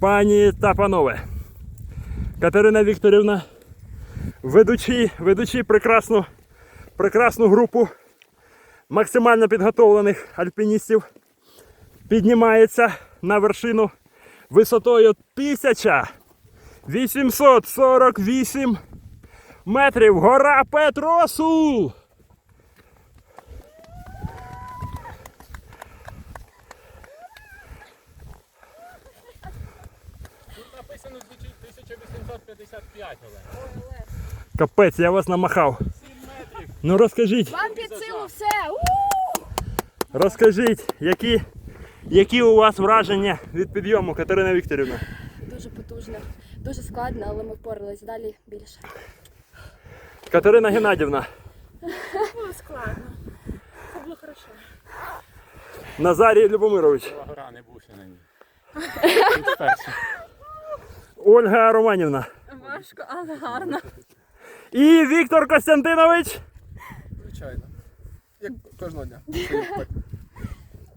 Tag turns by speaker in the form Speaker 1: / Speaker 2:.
Speaker 1: Пані та панове, Катерина Вікторівна, ведучи прекрасну групу максимально підготовлених альпіністів, піднімається на вершину висотою 1848 метрів. Гора Петросу!
Speaker 2: Тут написано 1855, Олег.
Speaker 1: Капець, я вас намахав.
Speaker 2: 7 метрів.
Speaker 1: Ну розкажіть,
Speaker 3: Вам під силу все!
Speaker 1: розкажіть, які у вас враження від підйому, Катерина Вікторівна?
Speaker 3: Дуже потужно, дуже складно, але ми впоралися. Далі більше.
Speaker 1: Катерина Геннадівна,
Speaker 3: Було складно. Це було хорошо.
Speaker 1: Назарій Любомирович,
Speaker 2: Гора не був ще на ній. Тут вперше.
Speaker 1: Ольга Романівна
Speaker 3: Важко, але гарно.
Speaker 1: і Віктор Костянтинович.
Speaker 4: Звичайно. Як кожного дня.